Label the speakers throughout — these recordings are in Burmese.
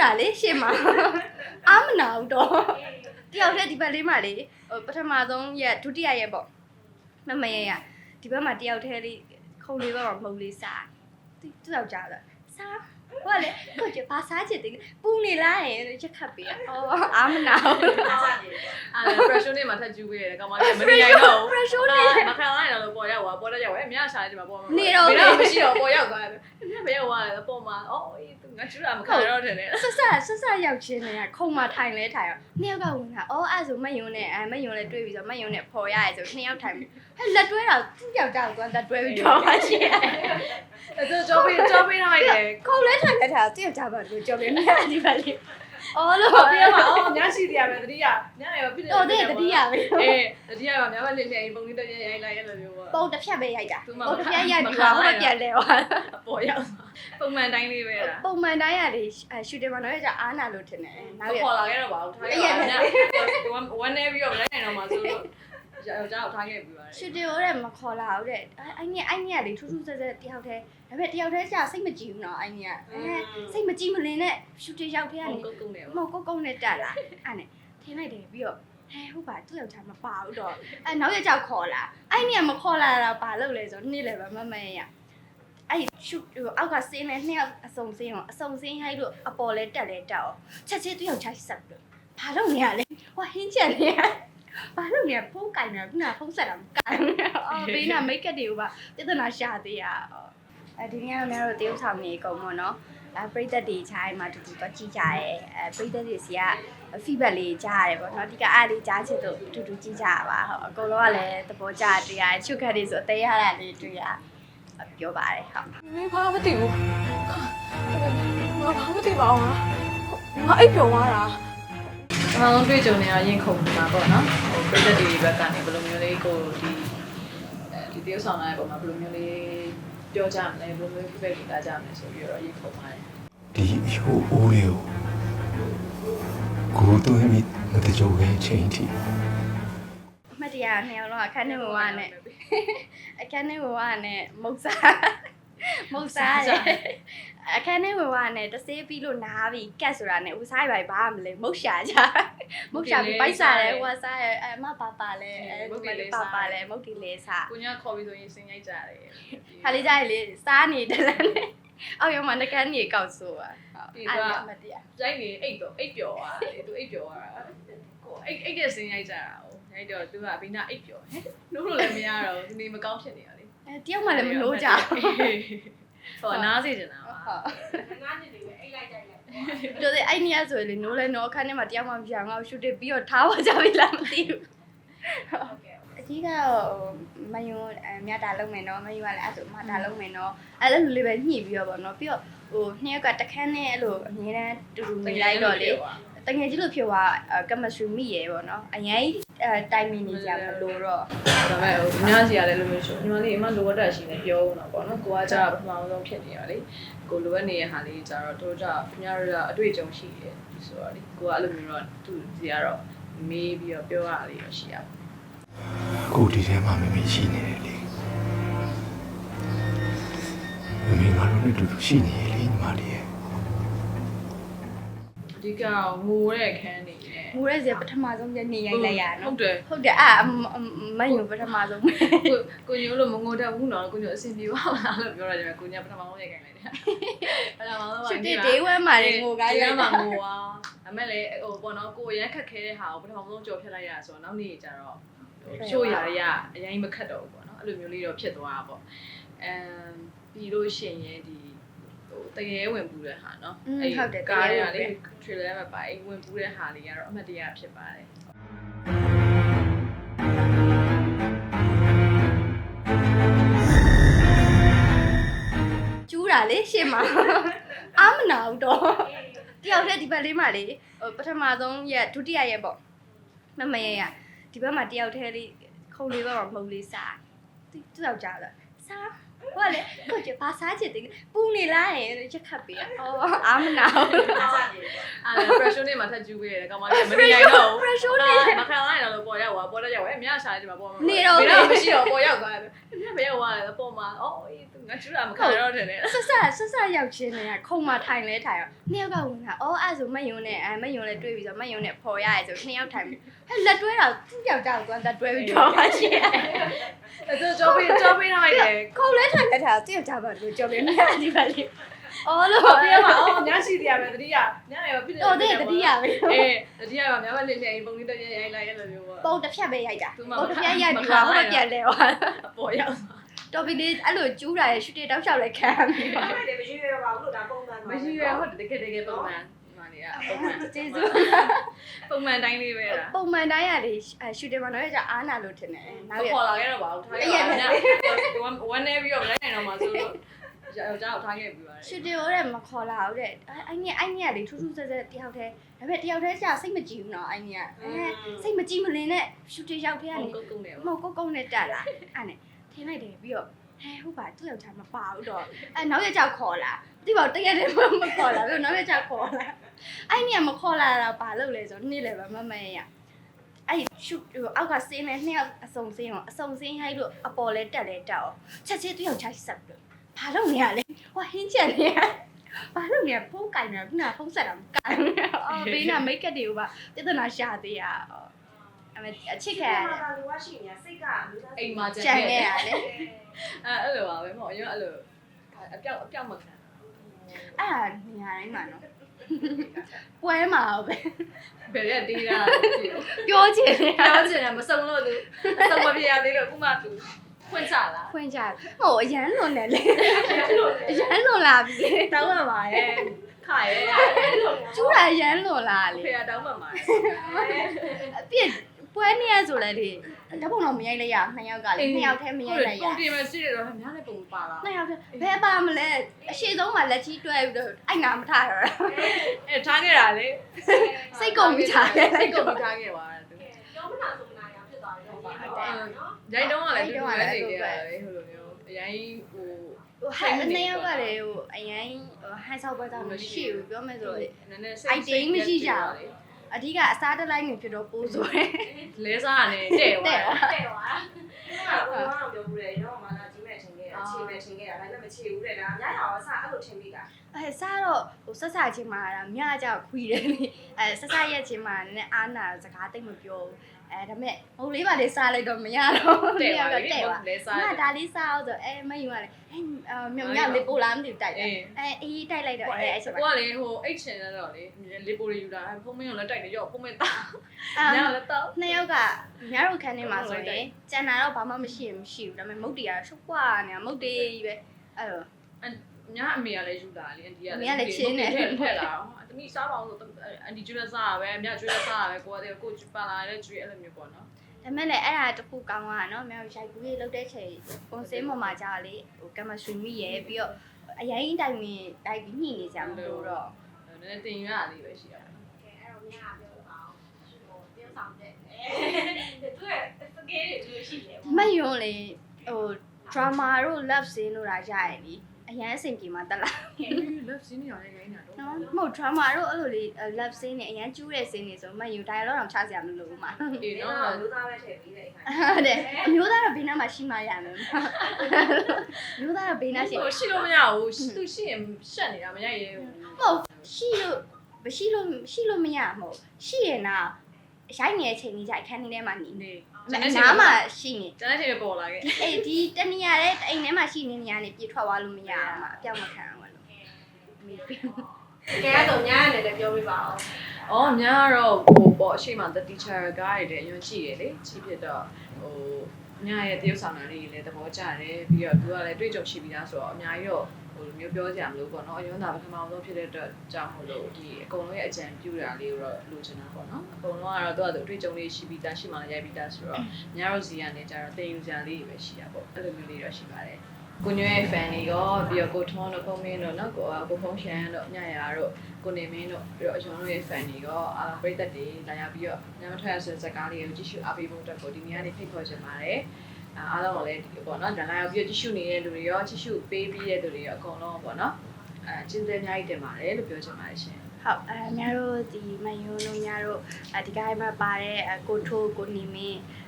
Speaker 1: တာလေရှင်းမှာအားမနာဘူးတော့တယောက်တည်းဒီဘက်လေးမှာလေပထမဆုံးရက်ဒုတိယရက်ပေါ့မမရရဒီဘက်မှာတယောက်တည်းလေးခုံလေးဘက်မှာမုံလေးစားသူ့ယောက်ျားဆိုစားဟုတ်လေကိုကျဘာစားချင်တယ်ပူနေလားရက်ခတ်ပေးအားမနာဘူး
Speaker 2: pressure နဲ့မှာထပ်ကျူးပေးရတယ်ကောင်မလေးမနေနိုင်တော့ဘူး
Speaker 1: pressure နဲ့
Speaker 2: မခံလိုက်တော့ပေါ်ရောက်သွားပေါ်တော့ရောက်အများရှာနေတယ်မှာပေါ်မှာ
Speaker 1: နေတော့
Speaker 2: မရှိတော့ပေါ်ရောက်သွားတယ်ဘယ်ရောက်သွားလဲပေါ်မှာသူငါကျူးတာမခံတော့တယ်လေ
Speaker 1: ဆက်ရောက်ချင်းနေခုံမှာထိုင်လဲထိုင်ရောနှစ်ယောက်ကဝင်တာအဲ့ဆိုမယုံနဲ့မယုံလဲတွေးပြီးဆိုမယုံနဲ့ပေါ်ရရဲဆိုနှစ်ယောက်ထိုင်ပြီးဟဲ့လက်တွဲတာသူ့ယောက်ျားကိုလက်တွဲပြီးတော့မှရှိတယ်
Speaker 2: သူကြောပေးထားတယ်
Speaker 1: ခုံလဲထိုင်လဲထိုင်သူ့ယောက်ျားဘာလို့ကြောပေးနေဒီပါလေးလို့
Speaker 2: ပြရမှာညရှိတရားပဲတတိယညရောပြည့်
Speaker 1: တယ်တတိယပဲ
Speaker 2: တတိယကများမလင်းလင်းပုံလေးတက်ရိုက်လိုက်ရလို့မျိုးပေါ့
Speaker 1: ပုံတစ်ဖြတ်ပဲရိုက်တာပုံတစ်ဖြတ်ရိုက်ပြီးတော့ပြန်လဲသွား
Speaker 2: ပေါ်ရောက်ပုံမှန်တိုင်းလေးပဲလား
Speaker 1: ပုံမှန်တိုင်းရတယ်ရှူတင်မှာတော့ကြာအားနာလို့ထင်တယ်
Speaker 2: နောက်ရခေါ်လာခဲ့တော့ပါဘူးထားခဲ့ပါညဝမ်းနေပြီးတော့လိုက်နိုင်တော့မှဆိုတော့ကြောက်ထားခဲ့ပြီးပါတယ်
Speaker 1: ရှူတင်ရောမခေါ်လာဘူးတဲ့အဲ့ညလေထူးထူးဆဲဆဲတယောက်တည်းဒါပေမဲ့တယောက်တည်းကြာစိတ်မကြည့်ဘူးနော်အဲ့ညစိတ်မကြည့်မလင်းနဲ့ရှူတင်ရောက်ထဲကနေ
Speaker 2: ကုန်းနဲ့
Speaker 1: မဟုတ်ကုန်းနဲ့တက်လာအဲ့နဲ့ထင်းလိုက်တယ်ပြီးတော့ဟုတ်ပါသူ့ယောက်ျားမပါဘူးတော့နောက်ရက်ကြောက်ခေါ်လာအဲ့ညမခေါ်လာတာဘာလုပ်လဲဆိုနေ့လည်းပဲမရအဲ့ရှူအောက်ကစင်းနဲ့နှစ်ယောက်အစုံစင်းရောအစုံစင်းဟိုက်လို့အပေါ်လဲတက်လဲတက်အောင်ချက်ချင်းသူ့ယောက်ျားဆက်ပြီးဘာလုပ်နေရလဲဟိုဟင်းချက်နေရဘာလို့လဲဖုန်းကင်နေတာခုနဖုန်းဆက်တာမကင်ဘေးနာမိတ်ကပ်တွေကိုပါပြဿနာရှာသေးရဒီနေ့ကတော့များတို့တရုပ်ဆောင်နေကုန်ပေါ့နော်ပရိသတ်တွေခြားမှာတူတူတော့ကြည့်ကြရဲပရိသတ်တွေစီက feedback လေးကြားရတယ်ပေါ့နော်ဒီကအားလေးကြားချစ်တို့တူတူကြည့်ကြရပါဟုတ်အကုန်လုံးကလည်းသဘောကျတွေ့ရတယ်ချုပ်ခတ်တွေဆိုအသေးရတာလေးတွေ့ရပြောပါတယ်ဟုတ်
Speaker 3: မင်းဘာမသိဘူးဘာမသိပါဘူးငါအိပ်ပျော်သွားတာ
Speaker 2: အမှန်ဆုံးတွေ့ကြုံနေရရင်ခုန်နေတာပေါ့နော်ပရိသတ်တွေဘက်ကနေဘယ်လိုမျိုးလေးကိုဒီတရုပ်ဆောင်လာတဲ့ပုံမှာဘယ်လိုမျိုးလေးပြောကြမလဲဘယ်လိုမျိုး feedback တွေလာကြမလဲဆိုပြီးတော့ရင်ခုန်ပါတယ်
Speaker 4: ဒီအချိုးအိုးလေးကိုသွင်းပြီးမတကြိုပဲချိန်ထိ
Speaker 1: အမတရားနှစ်ယောက်လုံးအခန်းထဲမှာဝါနဲ့အခန်းထဲမှာဝါနဲ့မုတ်စားအခန်းထဲမှာဝါနဲ့တဆေးပြီးလို့နားပြီးကတ်ဆိုတာနဲ့ဦးစားရိုက်ဘာမလဲမုတ်ရှာကြမုတ်ရှာပြီးပိုက်စားတယ်ဟိုစားရအမပါလဲမုတ်လဲမုတ်တီလေးစား
Speaker 2: ကိုညာခေါ်ပြီးဆိုရင်စင်ရိုက်ကြတယ်
Speaker 1: ခါလေးကြရလေစားနေတယ်လည်းအောက်ရောက်မှနှကန်းကြီးကောက်ဆိုပါ
Speaker 2: အဲ့ဒါမတရားရိုက်နေအိတ်ပျော်သွားတယ်သူအိတ်ပျော်သွားတာကိုအိတ်တဲ့စင်ရိုက်ကြတာဟိုရိုက်တော့သူကဘိနာအိတ်ပျော်ဟဲ့နိုးလို့လည်းမရတော့ဒီနေမကောင်းဖြစ်နေရလေ
Speaker 1: တယောက်မှလည်းမလို့ကြ
Speaker 2: ဟိုနားစေချင်တာပါ
Speaker 3: ငါးနှစ်တွေပဲအိတ်လိုက်ကြိုက်လိုက်
Speaker 1: တို့တဲ့အဲ့နေရဆိုလေနိုးလဲနိုးအခန်းထဲမှာတယောက်မှမပြောင်းငါ့ရှူတစ်ပြီးတော့ထားပါကြပြီလားမသိဘူးဟုတ်ကဲ့အကြီးကတော့မယုံမြတ်တာလုံးမယ်နော်မယုံကလည်းအဲ့ဆိုမတာလုံးမယ်နော်အဲ့လိုလေးပဲညှိပြီးတော့ဗောနော်ပြီးတော့ဟိုနှစ်ယောက်ကတခန်းနဲ့အဲ့လိုအမြဲတမ်းတူတူနေလိုက်တော့လေတကယ်ကြီးလို့ဖြစ်သွားchemistry မိရယ်ပေါ့နော်အရင်တိုင်မီနေကြမလို့တော့
Speaker 2: ဒါပေမဲ့ဟိုအများကြီးရတယ်လို့မျိုးရှိညီမလေးအမလိုအပ်တာရှိနေပြောဦးတော့ပေါ့နော်ကိုကကြာပထမဆုံးဖြစ်နေရလေကိုလိုအပ်နေတဲ့ဟာလေးကြာတော့တို့ကြခင်ဗျားတို့ကအတွေ့အကြုံရှိတယ်ဆိုတော့လေကိုကအဲ့လိုမျိုးတော့သူစီကတော့မေးပြီးတော့ပြောရလေးတော့ရှိရပါ
Speaker 4: ကိုဒီထဲမှာမမေရှိနေတယ်လေမမေငါတို့နဲ့တူတူရှိနေလေညီမလေးရဲ့
Speaker 2: ဒီကငိုတဲ့ခန်းနေတယ်
Speaker 1: ငိုတဲ့စီပထမဆုံးညနေရိုက်လိုက်ရနော်
Speaker 2: ဟုတ်တယ်
Speaker 1: မယုံပထမဆုံး
Speaker 2: ကိုညိုလို့မငိုတတ်ဘူးနော်ကိုညိုအဆင်ပြေပါလားလို့ပြောရတယ်ကိုညပထမဆုံးရိုက်ခိုင်းလိုက်တယ်ပထမဆုံး
Speaker 1: ပါဒီဒေးဝဲမှာငိုကား
Speaker 2: ရိုက်မှာငိုอ่ะဒါမဲ့လေဟိုပေါ့နော်ကိုရမ်းခက်ခဲတဲ့ဟာကိုပထမဆုံးကြော်ဖြတ်လိုက်ရဆိုတော့နောက်နေ့ကျတော့ချိုးရရအရင်မခတ်တော့ဘူးပေါ့နော်အဲ့လိုမျိုးလေးတော့ဖြစ်သွားတာပေါ့ပြီးလို့ရှိရင်ဒီတကယ်ဝင်ပူတဲ့ဟာเนาะ
Speaker 1: အဲ့
Speaker 2: ကားရလေ trailer မှာပါအဲ့ဝင်ပူတဲ့ဟာလေးကတော့အမှတ်တရဖြစ်ပါတယ်
Speaker 1: ကျူးတာလေရှင်းမှာအားမနာဘူးတော့တယောက်တည်းဒီဘက်လေးမှာလေပထမဆုံးရက်ဒုတိယရက်ပေါ့မရရဒီဘက်မှာတယောက်တည်းလေးခုံလေးဘက်မှာမုံလေးစားသူ့ယောက်ျားဆိုစားဟုတ်လေကိုကျဘာစားချင်တယ်ပူနေလားရက်ခတ်ပေးအားမနာဘူး
Speaker 2: pressure နဲ့မှာထပ်ကျူးပေးရတယ်ကောင်မလေးမနေနိုင်တော့ဘူး
Speaker 1: pressure နဲ့
Speaker 2: မခံလိုက်တော့ပေါ်ရောက်သွားပေါ်တော့ရောက်အများရှာနေတယ်မှာပေါ်မှာ
Speaker 1: နေတော့
Speaker 2: မရှိတော့ပေါ်ရောက်သွားတယ်ဘယ်ရောက်သွားလဲပေါ်မှာသူငငါကျူတာမခံတော့တယ်လေ
Speaker 1: ဆက်ရောက်ချင်းနေခုံမထိုင်လဲထိုင်ရောနှစ်ယောက်ကဝင်တာအော်အဲ့ဆိုမယုံနဲ့မယုံလဲတွေးပြီးဆိုမယုံနဲ့ဖော်ရရဲဆိုနှစ်ယောက်ထိုင်ပြီးဟဲ့လက်တွဲတာသူ့ယောက်ျားကိုလက်တွဲပြီးတော့မှရှိတယ်
Speaker 2: အဲ့တော့ကြောပေးထားရတယ်
Speaker 1: ခုံလဲထိုင်လဲထိုင်သူ့ယောက်ျားဘာလို့ကြောပြနေဒီပါလေးအော်လို့
Speaker 2: ပြရမှာအော်ညရှိတရားပဲတတိယညရရောဖြစ်
Speaker 1: တော့တဲ့တတိယပဲ
Speaker 2: တတိယကများမလင်းလင်းပုံလေးတက်ရိုက်လိုက်အဲ့လိုမျိုးပေါ့
Speaker 1: ပုံတစ်ဖြတ်ပဲရိုက်တာပုံတစ်ဖြတ်ရိုက်ပြီးတော့ဟိုပြန်လဲသွား
Speaker 2: အပေါ်ရောက်
Speaker 1: တော်ပြီလေအဲ့လိုကျူးတာရရှူတေတောက်လျှောက်လဲခံပြီးပါ
Speaker 3: အဲ့ဒါမရှိရပါဘူးလို့ဒါပုံမှန်
Speaker 2: မရှိရဟုတ်တကယ်ပုံမှန်ဒီမှာနေရပုံမှန်
Speaker 1: ကျေးဇူး
Speaker 2: ပုံမှန်တိုင်းလေးပဲလား
Speaker 1: ပုံမှန်တိုင်းရတယ်ရှူတေမှာတော့ရအားနာလို့ထင်တယ်နောက်ရ
Speaker 2: ခေါ်လာခဲ့တော့ပါဘူးထားခဲ့ပါညဝမ်းနေပြီးတော့လိုက်နိုင်တော့မှဆိုတော့ကြောက်ထားခဲ့ပြီးပါတယ်
Speaker 1: ရှူတေဟိုတဲ့မခေါ်လာဘူးတဲ့အဲ့ညလေထူးထူးဆဲဆဲတယောက်တည်းဒါပေမဲ့တယောက်တည်းကျစိတ်မကြည့်ဘူးနော်အဲ့ညစိတ်မကြည့်မလင်းနဲ့ရှူတေရောက်ထဲကနေ
Speaker 2: ကုန်းနေ
Speaker 1: မဟုတ်ကုန်းနဲ့တက်လာအဲ့နဲ့ထင်းလိုက်တယ်ပြီးတော့ဟုတ်ပါသူ့ယောက်ျားမပါဘူးတော့နောက်ရက်ကြောက်ခေါ်လာဒီပေါ့တရက်တည်းမခေါ်လာပြီးနောက်ရက်ကြောက်ခေါ်လာအဲ့ညမခေါ်လာတာဘာလို့လဲဆိုနေ့လေပဲမရအဲ့ရှူအောက်ကစင်းနဲ့နှစ်ယောက်အစုံစင်းရောအစုံစင်းဟိုက်လို့အပေါ်လဲတက်လဲတက်အောင်ချက်ချင်းသူ့ယောက်ျားဆက်ပြီးဘာလို့နေရလဲဟိုဟင်းချက်နေရဘာလို့နေဖုန်းကင်နေတာခုနဖုန်းဆက်တာမကင်အော်ဘေးနာမိတ်ကပ်တွေကိုပါပြဿနာရှာသေးရအမေအချစ်ခံရတယ်
Speaker 3: ဒါလိုရှိနေစိတ်က
Speaker 2: အိမ်မှာ
Speaker 1: ကြံခဲ့ရတယ်
Speaker 2: အဲ့လိုပါပဲမဟုတ်အရင်အဲ့လိုအပြောက်မခံ
Speaker 1: အဲ့ဒါနေရာတိုင်းမှာနော်ပွဲမှာပဲ
Speaker 2: ဘယ်ရက်တေးတာ
Speaker 1: ပြောချင်တယ်
Speaker 2: ပြောချင်တယ်မစုံလို့သူအစုံမပြရသေးလို့ခုမှသူဖွင့်ချလာ
Speaker 1: ဖွင့်ကြဟိုအရန်လွန်တယ်လေအရန်လွန်လာပြီ
Speaker 2: တောင်းမှပါရဲ့ခါရဲ့
Speaker 1: ကျူးတာအရန်လွန်လာလေ
Speaker 2: ဖေရတောင်းမှပါ
Speaker 1: အပြစ်ပွဲနေရဆိုလဲလေတပုံတော့မရိုက်လိုက်ရနှစ်ယောက်ကလေနှစ်ယောက်တည်းမရိုက်လိုက်ရ
Speaker 2: ပုံတင်မရှိရတော့များလည်းပုံပါလား
Speaker 1: နှစ်ယောက်တည်းဘယ်ပါမလဲအရှိဆုံးမှာလက်ကြီးတွဲပြီးတော့အိုက်နာမထရတော့
Speaker 2: အဲထားခဲ့တာလေ
Speaker 1: စိတ်ကုန်ပြီးထားတယ်
Speaker 2: စိတ်ကုန်ပြီးထားခဲ့ပါသူ
Speaker 3: ပြောမနာဆိုမနာရဖြစ်သွားတယ်ဟုတ်ပါဟုတ်နော်
Speaker 2: ရိုက်တော့ကလည်းတူတူပဲနေကြတယ်ဟိုလိုမျိုးအရင်ဟို
Speaker 1: ဟိုဟဲ့နှစ်ယောက်ကလေဟိုအရင်ဟိုဟန်ဆောက်ပွဲတော့မရှိဘူးပြောမယ်ဆိုရင်
Speaker 2: နည်းနည်းစိတ်မရှိကြဘူး
Speaker 1: အဓိကအစားတလိုက်နေဖြစ်တော့ပိုးဆိုတယ်
Speaker 2: လဲစားရတယ်တဲ့သွား
Speaker 3: တဲ့သွားဒီမှာဘယ်တော့ပြောဘူးလေတော့မလာကြီးမဲ့ချင်းခဲ့တာခြေမဲ့ချင်းခဲ့တာဒါပေမဲ့မခြေဘူးတဲ့ဒါအများကြီးအောင်အစအဲ့လိုချင်းပြီးတာ
Speaker 1: အဲစားတော့ဟိုဆက်ဆချင်းမှာမြအကြောက်ခွီးတယ်လေအဲဆက်ဆရက်ချင်းမှာနည်းနည်းအားနာစကားတိတ်မပြောဘူးအဲဒါမဲ့ဟိုလေးပါလေးစားလိုက်တော့မရတော့
Speaker 2: တဲ့
Speaker 1: တဲ့
Speaker 2: သွား
Speaker 1: တော့
Speaker 2: ပြီ
Speaker 1: တဲ့သွား
Speaker 2: လဲစား
Speaker 1: ငါဒါလေးစားအောင်ဆိုအဲမယူရလေအဲမြောင်လေးပို့လာမသိဘူးတိုက်တယ်အဲအေးတိုက်လိုက်တော့အဲအဲ့ချက်
Speaker 2: ကို
Speaker 1: ပါ
Speaker 2: ကလေဟိုအိတ်ချင်တော့လေလေပိုရီယူတာဖုံးမင်းကိုလည်းတိုက်တယ်ရော့ဖုံးမင်းတောင်းညလည်းတောင်း
Speaker 1: နှစ်ယောက်ကမြတို့ခန်းထဲမှာဆိုရင်ကျန်တာတော့ဘာမှမရှိဘူးဒါပေမဲ့မုတ်တီကတော့ရှုပ်ကွာနေတာမုတ်တီကြီးပဲအဲ့တော့
Speaker 2: ညအမေကလည်းယူတာလေအန်တီက
Speaker 1: အမေကလည်းချင်းတယ်
Speaker 2: ထက်လာတမိစားပါအောင်ဆိုအန်တီကျွေးစားရပဲအမြကျွေးစားရပဲကိုကတည်းကကိုပါလာတဲ့ကျွေးအဲ့လိုမျိုးပေါ့နော်
Speaker 1: ဒါမဲ့လည်းအဲ့ဒါတခုကောင်းတာနော်မြောက်ရိုက်ကူးလေးလောက်တဲ့ချိန်ကွန်စင်းပေါ်မှာကြာလေဟိုကမဆွေမိရယ်ပြီးတော့အရင်တိုင်ဝင်တိုက်ပြီးညှိနေကြမလို့တော့
Speaker 2: နည်းနည်းတင်ရလေးပဲရှိရတာ
Speaker 3: ကဲအဲ့တော့ညပြောပါအောင်ဟိုပြောဆောင်တဲ့သူရဲ့စကေးတွေလို့ရှိတယ်
Speaker 1: မယုံလေဟို drama တို့ love scene တို့တာရရယ်လीအရင်အဆင်ပြေမှာတက်လာ
Speaker 2: လက်စင်းနေရတယ်ခိုင်းတာတော့
Speaker 1: နော်မဟုတ် drama တို့အဲ့လိုလေ love scene နဲ့အရင်ကျူးတဲ့ scene တွေဆိုမယုံ dialogue တော့ချစရာမလိုဘူးမှာ
Speaker 2: အေး
Speaker 3: နော်
Speaker 2: နော်
Speaker 3: လူသားပဲထည့်ပြီးတဲ့အခါ
Speaker 1: ဟုတ်တယ်အမျိုးသားတော့ဘေးနားမှာရှိမှရမယ်မျိုးသားတော့ဘေးနားရှိ
Speaker 2: ဟိုရှိလို့မရဘူးသူရှိရင်ရှက်နေတာမရရဲဘူး
Speaker 1: ဟုတ်ရှိလို့မရှိလို့မရမဟုတ်ရှိရင်တော့ရိုက်နေတဲ့အချိန်ကြီးကြိုက်ခန်းထဲမှာနေ
Speaker 2: နေ
Speaker 1: နားမှာရှိနေ
Speaker 2: ကျန်တဲ့ချိန်ပေါ်လာခဲ့
Speaker 1: အေးဒီတနေရာတဲ့အိမ်ထဲမှာရှိနေနေရနေပြေထွက်သွားလို့မရအောင်မှာအပြောင်းမခံအောင်လို့မေးပြီး
Speaker 3: ကဲတော့ညနေလည်းပြောပြပါအောင်
Speaker 2: အော်များတော့ဟိုပေါ့အရှိမ the teacher ကားရတဲ့အရင်ရှိရလေကြီးဖြစ်တော့ဟိုညရဲ့တရုပ်ဆောင်တာလေးလည်းသဘောကျတယ်ပြီးတော့သူကလည်းတွေ့ကြုံရှိပြီးသားဆိုတော့အများကြီးတော့ဟိုမျိုးပြောကြရမလို့ပေါ့နော်အရင်ကပထမဆုံးဖြစ်တဲ့အတွက်ကြောင့်မလို့ဒီအကုန်လုံးရဲ့အကြံပြုတာလေးကိုတော့လိုချင်တာပေါ့နော်အကုန်လုံးကတော့သူကသူအတွေ့အကြုံလေးရှိပြီးသားရှိမှလည်းရိုက်ပြီးသားဆိုတော့များတို့စီကနေကြတော့တင်ယူကြလေးပဲရှိတာပေါ့အဲ့လိုမျိုးလေးတော့ရှိပါတယ်ကိုညွဲ fan တွေရောပြီးတော့ကိုထွန်းတို့ဖုန်းမင်းတို့နော်ကိုဖုန်းရှန်တို့ညရာတို့ကိုနေမင်းတို့ပြီးတော့အကျွန်တော်တို့ရဲ့ fan တွေရောပရိသတ်တွေလာရောက်ပြီးတော့ညမထွက်ရဆိုတဲ့ဇာတ်ကားလေးကိုကြည့်ရှုအားပေးဖို့အတွက်ကိုဒီနေ့ကနေဖိတ်ခေါ်ချင်ပါတယ်အားလုံးကလည်းဒီပေါ့နော်ဒါလာရောက်ပြီးကြည့်ရှုနေတဲ့လူတွေရောကြည့်ရှုပေးပြီးတဲ့လူတွေရောအကုန်လုံးပေါ့နော်ကျေးဇူးအများကြီးတင်ပါတယ်လို့ပြောချင်ပါတယ်ရှင်
Speaker 1: ဟုတ်များတို့ဒီမယုံတို့များတို့ဒီကိုင်းမှာပါတဲ့ကိုထိုးကိုနေမင်း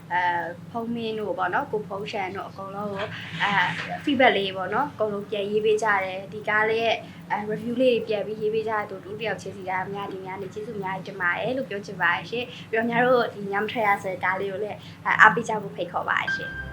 Speaker 1: ဖုံးမင်းတို့ပေါ့နော်ကိုဖုံးရှန်တို့အကုန်လုံးကိုfeedback လေးပေါ့နော်အကုန်လုံးပြန်ရေးပေးကြတယ်ဒီကားလေးရဲ့review လေးတွေပြန်ပြီးရေးပေးကြတဲ့တူတယောက်ချင်းစီကအများဒီများနေကျေးဇူးများတင်ပါတယ်လို့ပြောချင်ပါတယ်ရှင်ပြီးတော့များတို့ဒီညမထရရဆိုတဲ့ကားလေးကိုလည်းအားပေးကြဖို့ဖိတ်ခေါ်ပါတယ်ရှင်